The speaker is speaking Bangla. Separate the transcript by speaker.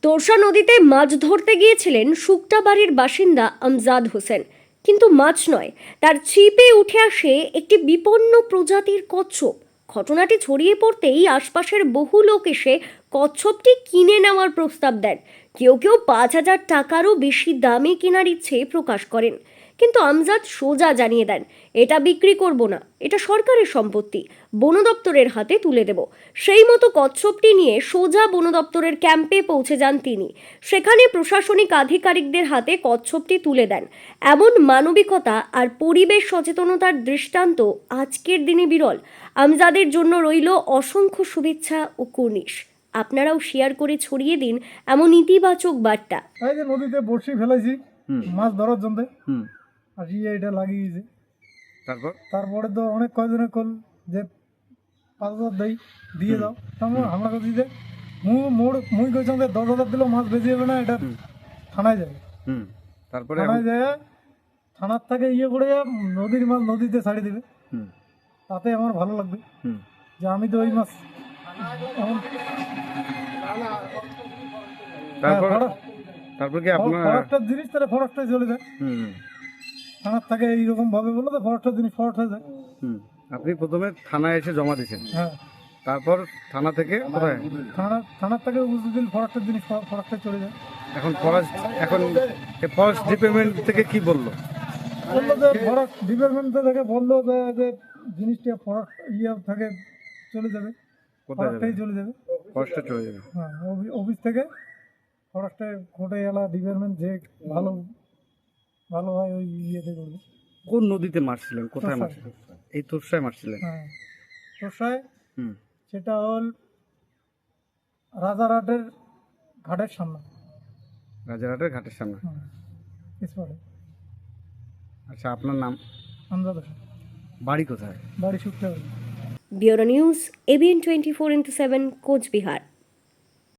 Speaker 1: তোরসা নদীতে মাছ ধরতে গিয়েছিলেন শুকটাবাড়ির বাসিন্দা আমজাদ হোসেন, কিন্তু মাছ নয়, তার ছিপে উঠে আসে একটি বিপন্ন প্রজাতির কচ্ছপ। ঘটনাটি ছড়িয়ে পড়তেই আশপাশের বহু লোক এসে কচ্ছপটি কিনে নেওয়ার প্রস্তাব দেন। কেউ কেউ 5,000 টাকারও বেশি দামে কেনার ইচ্ছে প্রকাশ করেন, কিন্তু আমজাদ সোজা জানিয়ে দেন, এটা বিক্রি করব না, এটা সরকারের সম্পত্তি, বন দপ্তরের হাতে তুলে দেব। সেই মতো কচ্ছপটি নিয়ে সোজা বন দপ্তরের ক্যাম্পে পৌঁছে যান তিনি। সেখানে প্রশাসনিক আধিকারিকদের হাতে কচ্ছপটি তুলে দেন। এমন মানবিকতা আর পরিবেশ সচেতনতার দৃষ্টান্ত আজকের দিনে বিরল। আমজাদের জন্য রইল অসংখ্য শুভেচ্ছা ও কুর্নিশ। আপনারাও শেয়ার করে ছড়িয়ে দিন এমন ইতিবাচক বার্তা।
Speaker 2: এই যে নদীতে বড়শি ফেলাইছি মাছ ধরার জন্য, আর এটা লাগিয়েছে। তারপরে তো অনেক কয়জনে কল যে 5,000 দিয়ে দাও, আমরা দিতে মুই কইছিলাম যে 10,000 দিলেও মাছ বেঁচে যাবে না, এটা থানায় যাবে। তারপরে থানায় যায়, থানার থেকে করে নদীর মাছ নদীতে ছাড়ি দিবে। তাতে আমার ভালো লাগবে যে আমি তো ওই মাছ
Speaker 3: তারপর কি আপনার
Speaker 2: ফরেস্টের জিনিস তাহলে ফরেস্টে চলে যায়। থানার থেকে এইরকম ভাবে বলে তো ফরেস্টের জিনিস ফরেস্টে যায়।
Speaker 3: আপনি প্রথমে থানায় এসে জমা দিয়েছেন,
Speaker 2: হ্যাঁ।
Speaker 3: তারপর থানা থেকে কোথায়?
Speaker 2: থানার থেকে বুঝতে ফরেস্টের জিনিস ফরেস্টে চলে যায়।
Speaker 3: এখন ফরেস্ট ডিপার্টমেন্ট থেকে কি বললো?
Speaker 2: বললো যে ফরেস্ট ডিপার্টমেন্ট থেকে বললো যে জিনিসটা ফরেস্ট থেকে চলে যাবে, ফরেস্টেই চলে যাবে,
Speaker 3: ফরেস্টে চলে যাবে।
Speaker 2: হ্যাঁ, অফিস থেকে ফরেস্টে কোর্টে এলা ডিপার্টমেন্ট যে ভালো হয় ওই ইয়েতে করবে।
Speaker 3: কোন নদীতে মারছিলেন, কোথায় মারছিলেন? এই তোরসায় মারছিলেন?
Speaker 2: হ্যাঁ, তোরসায়। সেটা হল রাজারহাটের ঘাটের সামনে।
Speaker 3: রাজারহাটের ঘাটের সামনে। আচ্ছা, আপনার নাম?
Speaker 2: আমজাদ হোসেন।
Speaker 3: বাড়ি কোথায়?
Speaker 2: বাড়ি শুকতে।
Speaker 1: Bureau news, ABN 24x7, Cooch Behar.